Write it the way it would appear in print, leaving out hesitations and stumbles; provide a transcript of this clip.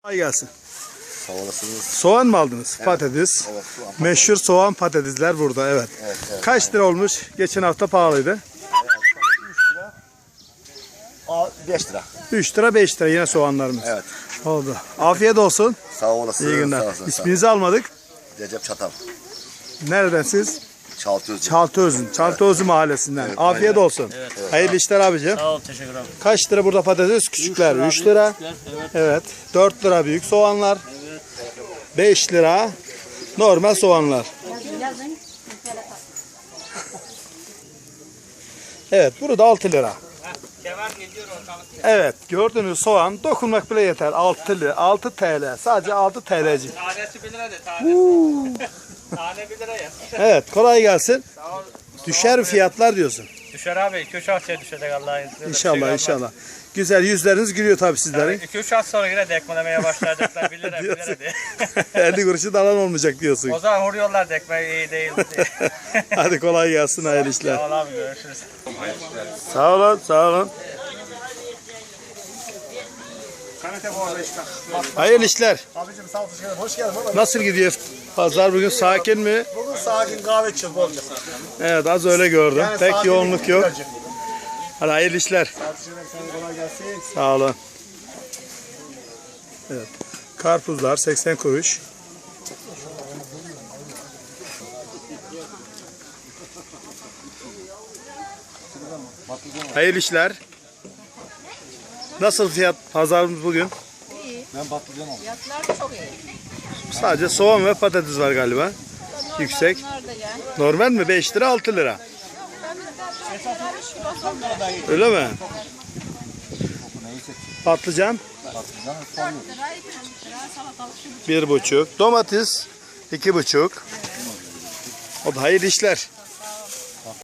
Kolay gelsin. Sağ olasınız. Soğan mı aldınız? Evet. Patates. Evet, soğan. Meşhur soğan patatesler burada. Evet. Evet. Kaç lira olmuş? Geçen hafta pahalıydı. 5 lira. 3 lira 5 lira yine soğanlarımız. Evet. Oldu. Afiyet olsun. Sağ olasınız. İyi günler. Sağ olasın, İsminizi almadık. Recep Çatal. Nereden siz? Çaltözlü. Çaltıözün. Çaltıözü mahallesinden. Evet, Afiyet aynen. olsun. Hayırlı işler abicim. Sağ ol, teşekkür ederim. Kaç lira burada patates? Küçükler 3 lira. Evet. 4 lira büyük soğanlar. 5 lira normal soğanlar. Evet, burada 6 lira. Evet, gördüğünüz soğan dokunmak bile yeter. 6 lira, 6 TL. Sadece 6 TL'cik. Tanesi 1 lira de, tanesi. Tane 1 lira ya. Evet, kolay gelsin. Sağ ol. Düşer fiyatlar diyorsun. Düşer abi, 2-3 haftaya düşecek Allah'ın izniyle. İnşallah, inşallah. Güzel, yüzleriniz gülüyor tabii sizlerin. 2-3 hafta sonra yine dekmelemeye başlayacaklar 1 lira 1 lira diye. 50 kuruşu da alan olmayacak diyorsun. O zaman vuruyorlar dekmeyi iyi değil diye. Hadi kolay gelsin, hayırlı işler. Sağ ol abi, görüşürüz. Sağ olun, sağ olun. Hayırlı işler. Abicim sağ ol, hoş geldin. Nasıl gidiyor? Pazar bugün sakin mi? Bugün sakin kahve içeceğiz bolca. Evet, az öyle gördüm. Yani Pek sakin yoğunluk yok. güzelce. Hadi hayırlı işler. Tartışmalar sana kolay gelsin. Sağ olun. Evet. Karpuzlar 80 kuruş. Hayırlı işler. Nasıl fiyat pazarımız bugün? Fiyatlar çok iyi. Sadece soğan ve patates var galiba. Yüksek. Bunlar da yani. Normal mi? 5 lira 6 lira. Öyle mi? Patlıcan 1,5. Domates 2,5. O da hayırlı işler.